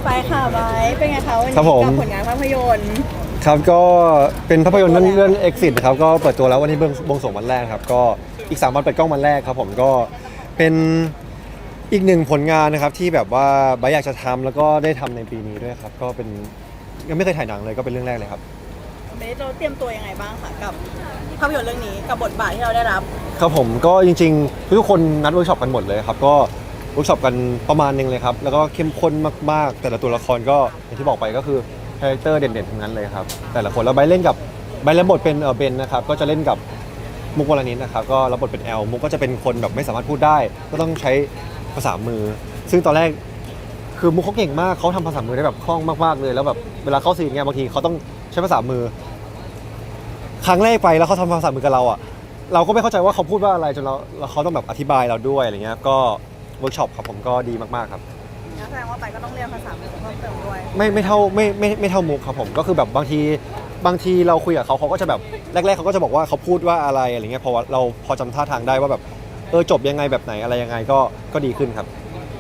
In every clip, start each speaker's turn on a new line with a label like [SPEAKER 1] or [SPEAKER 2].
[SPEAKER 1] ไปค่ะไว้เป็นไงคะวันนี้
[SPEAKER 2] ครับผม
[SPEAKER 1] กับผลงานภาพยนตร์
[SPEAKER 2] ครับก็เป็นภาพยนตร์เรื่อง Exit ครับก็เปิดตัวแล้ววันนี้บวงสรวงวันแรกครับก็อีก3 วันเปิดกล้องวันแรกครับผมก็เป็นอีกหนึ่งผลงานนะครับที่แบบว่าไบร์ทอยากจะทำแล้วก็ได้ทำในปีนี้ด้วยครับก็เป็นยังไม่เคยถ่ายหนังเลยก็เป็นเรื่องแรกเลยครับ
[SPEAKER 1] เบสเราเตรียมตัวยังไงบ้างคะกับภาพยนตร์เรื่องนี้กับบทบาทที่เราได้รับ
[SPEAKER 2] ครับผมก็จริงๆทุกคนนัดเวิร์กช็อปกันหมดเลยครับก็เวิร์กช็อปกันประมาณนึงเลยครับแล้วก็เข้มข้นมากๆแต่ละตัวละครก็อย่างที่บอกไปก็คือคาแรคเตอร์เด่นๆทั้งนั้นเลยครับแต่ละคนแล้วไบร์ทเล่นบทเป็นเบนนะครับก็จะเล่นกับมุกวรณิตนะครับก็รับบทเป็นแอลมุกก็จะเป็นคนแบบไม่สามารถพูดได้ก็ต้องใช้ภาษามือซึ่งตอนแรกคือมุกเขาเก่งมากเขาทำภาษามือได้แบบคล่องมากๆเลยแล้วแบบเวลาเข้าซีนเนี่ยบางทีเขาต้องใช้ภาษามือครั้งแรกไปแล้วเขาทำภาษามือกับเราอ่ะเราก็ไม่เข้าใจว่าเขาพูดว่าอะไรจนเราเขาต้องแบบอธิบายเราด้วยอะไรเงี้ยก็เวิร์กช็อปครับผมก็ดีมากๆครับ
[SPEAKER 1] แสดงว่าไปก็ต้องเรียนภาษาเพิ่มเติมด้วย
[SPEAKER 2] ไม่เท่าไม่เท่ามุกครับผมก็คือแบบบางทีเราคุยกับเขาก็จะแบบแรกๆเขาก็จะบอกว่าเขาพูดว่าอะไรอะไรเงี้ยพอเราพอจำท่าทางได้ว่าแบบจบยังไงแบบไหนอะไรยังไงก็ดีขึ้นครับ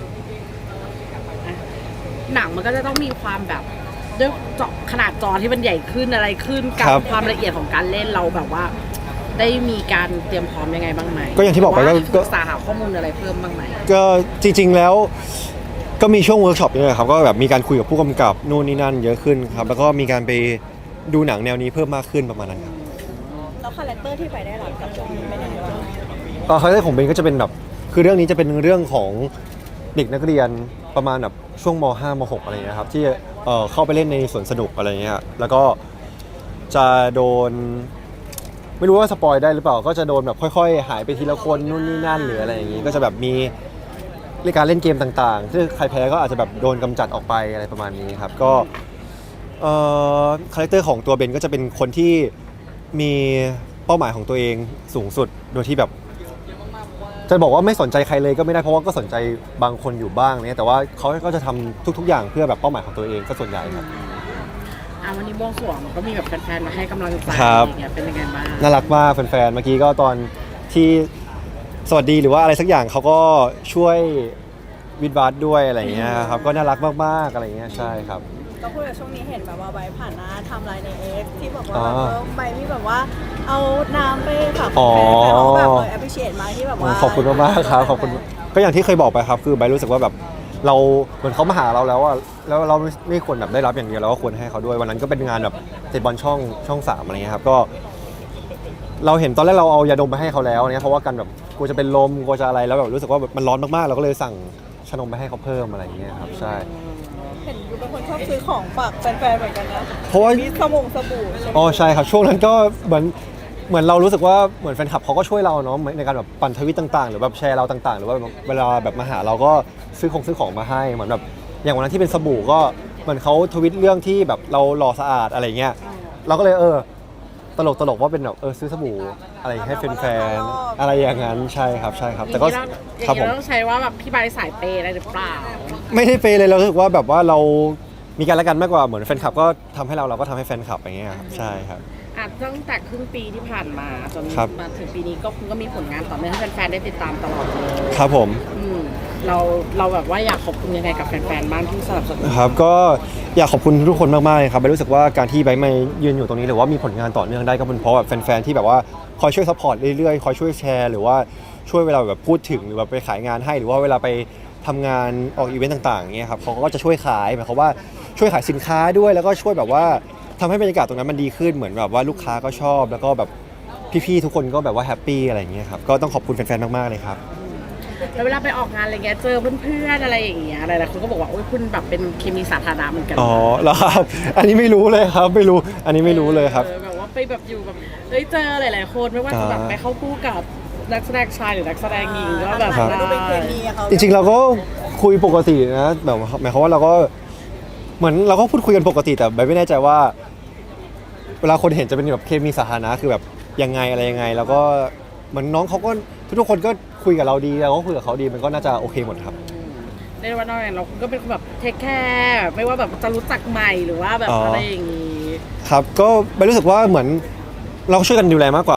[SPEAKER 3] หนังมันก็จะต้องมีความแบบด้วยจอขนาดจอที่มันใหญ่ขึ้นอะไรขึ้นกับความละเอียดของการเล่นเราแบบว่าได้มีการเตรียมพร้อมยังไงบ้างไหม
[SPEAKER 2] ก็อย่างที่บอกไปก็
[SPEAKER 3] ศึกษาหาข้อมูลอะไรเพิ่มบ้างไหม
[SPEAKER 2] ก็จริงๆแล้วก็มีช่วงเวิร์กช็อปนี่ครับก็แบบมีการคุยกับผู้กำกับนู่นนี่นั่นเยอะขึ้นครับแล้วก็มีการไปดูหนังแนวนี้เพิ่มมากขึ้นประมาณนั้นครับ
[SPEAKER 1] แล้วคาแรคเตอร์ที่ไปได้รับกับช่วงนี้เป็นยังไงบ้าง
[SPEAKER 2] คาแรคเตอร์ของเบนก็จะเป็นแบบคือเรื่องนี้จะเป็นเรื่องของเด็กนักเรียนประมาณแบบช่วงม.5 ม.6 อะไรเงี้ยครับที่เข้าไปเล่นในสวนสนุกอะไรเงี้ยแล้วก็จะโดนไม่รู้ว่าสปอยได้หรือเปล่าก็จะโดนแบบค่อยๆหายไปทีละคนนู่นนี่นั่นหรืออะไรอย่างงี้ก็จะแบบมีการเล่นเกมต่างๆที่ใครแพ้ก็อาจจะแบบโดนกำจัดออกไปอะไรประมาณนี้ครับก็คาแรคเตอร์ของตัวเบนก็จะเป็นคนที่มีเป้าหมายของตัวเองสูงสุดโดยที่แบบจะบอกว่าไม่สนใจใครเลยก็ไม่ได้เพราะว่าก็สนใจบางคนอยู่บ้างเนี่ยแต่ว่าเขาก็จะทำทุกๆอย่างเพื่อแบบเป้าหมายของตัวเองก็ส่วนใหญ่ครับ
[SPEAKER 3] วันนี้บวงสรวงก็มีแบบแฟนๆมาให้กำลังใจอย่างเงี้ยเป็นยังไงบ้าง
[SPEAKER 2] น่ารักมากแฟนๆเมื่อกี้ก็ตอนที่สวัสดีหรือว่าอะไรสักอย่างเขาก็ช่วยวิดวัดด้วยอะไรอย่างเงี้ยครับก็น่ารักมากๆอะไรอย่างเงี้ยใช่ครับ
[SPEAKER 1] ก็พูดถึงช่วงนี้เห็นแบบว่าใบผ่านหน้าทำลายในเอ็กที่บอกว่าใบมีแบบว่าเอาน้ำไปฝากแฟนๆเขาแบบappreciate มากที่แบบว่า
[SPEAKER 2] ขอบคุณมากๆครับขอบคุณก็อย่างที่เคยบอกไปครับคือใบรู้สึกว่าแบบเราเหมือนเขามาหาเราแล้วอะแล้วเราไม่ควรแบบได้รับอย่างเดียวเราก็ควรให้เขาด้วยวันนั้นก็เป็นงานแบบเตะบอลช่อง3อะไรเงี้ยครับก็เราเห็นตอนแรกเราเอายาดมไปให้เขาแล้วเนี่ยเพราะว่ากันแบบกลัวจะเป็นลมกลัวจะอะไรแล้วแบบรู้สึกว่ามันร้อนมากๆเราก็เลยสั่งชานมไปให้เขาเพิ่มอะไรอย่างเงี้ยครับใช่
[SPEAKER 1] เห็นยูเป็นคนชอบซื้อของฝากแฟนๆเหมือนกันนะ
[SPEAKER 2] เพราะว่า
[SPEAKER 1] มีสบู่
[SPEAKER 2] อ๋อใช่ครับช่วงนั้นก็เหมือนเรารู้สึกว่าเหมือนแฟนคลับเขาก็ช่วยเราเนาะในการแบบปั่นทวิตต่างๆหรือแบบแชร์เราต่างๆหรือว่าเวลาแบบมาหาเราก็ซื้อของมาให้เหมือนแบบอย่างวันนั้นที่เป็นสบู่ก็เหมือนเขาทวิตเรื่องที่แบบเราหล่อสะอาดอะไรเงี้ยเราก็เลยตลกว่าเป็นแบบซื้อสบู่อะไรให้แฟนๆอะไรอย่างนั้นใช่ครับแต่ก็
[SPEAKER 3] ครับผมต้องใช้ว่าแบบพี่ใบสายเปย์อะไรหรือเปล่า
[SPEAKER 2] ไม่ได้เปย์เลยเรารู้สึกว่าแบบว่าเรามีการละกันมากกว่าเหมือนแฟนคลับก็ทำให้เราก็ทำให้แฟนคลับอย่างเงี้ยครับใช่ครับ
[SPEAKER 3] ตั้งแต่ครึ่งปีที่ผ่านมาจนมาถึงปีนี้ก็มีผลงานต่อเนื่องให้แฟนๆได้ติดตามตลอดเลย
[SPEAKER 2] ครับผม
[SPEAKER 3] เราแบบว่าอยากขอบคุณยังไงกับแฟนๆบ้างที่สนับสนุน
[SPEAKER 2] ครับก็อยากขอบคุณทุกคนมากๆเลยครับรู้สึกว่าการที่ไบมายืนอยู่ตรงนี้หรือว่ามีผลงานต่อเนื่องได้ก็เป็นเพราะแบบแฟนๆที่แบบว่าคอยช่วยซัพพอร์ตเรื่อยๆคอยช่วยแชร์หรือว่าช่วยเวลาแบบพูดถึงหรือว่าไปขายงานให้หรือว่าเวลาไปทำงานออกอีเวนต์ต่างๆอย่างเงี้ยครับเขาก็จะช่วยขายหมายความว่าช่วยขายสินค้าด้วยแล้วก็ช่วยแบบว่าทำให้บรรยากาศตรงนั้นมันดีขึ้นเหมือนแบบว่าลูกค้าก็ชอบแล้วก็แบบพี่ๆทุกคนก็แบบว่าแฮปปี้อะไรอย่างเงี้ยครับก็ต้องขอบคุณแฟนๆมากๆเลยครับ
[SPEAKER 3] แล้วเวลาไปออกงานอะไรเงี้ยเจอเพื่อนๆอะไรอย่างเงี้ยอะไรๆคนก็บอกว่าโอ้ยคุณแบบเป็นเคมีสาธารณะเหมือนกัน
[SPEAKER 2] อ๋อแล้วครับอันนี้ไม่รู้เลยครับไม่รู้อันนี้ไม่รู้เลยครับ
[SPEAKER 3] แบบว่าไปแบบอยู่แบบเจอหลายๆคนไม่ว่าจะแบบไปเข้าคู่กับนักแสดงชายหรือนักแสดงหญิงก็แบบ
[SPEAKER 1] ดูเป็นเคมีเขา
[SPEAKER 2] จริงๆเราก็คุยปกตินะแบบหมายความว่าเราก็เหมือนเราก็พูดคุยกันปกติแต่ไม่แน่ใจว่าเวลาคนเห็นจะเป็นแบบเคมีสาธารณะคือแบบยังไงอะไรยังไงแล้วก็เหมือนน้องเขาก็ทุกคนก็คุยกับเราดีเราก็คุยกับเขาดีมันก็น่าจะโอเคหมดครับ
[SPEAKER 3] ในวันนั้นเราก็เป็นคนแบบเทคแคร์ไม่ว่าแบบจะรู้จักใหม่หรือว่าแบบอะไรอย่างนี้
[SPEAKER 2] ครับก็ไม่รู้สึกว่าเหมือนเราช่วยกันดูแลมากกว่า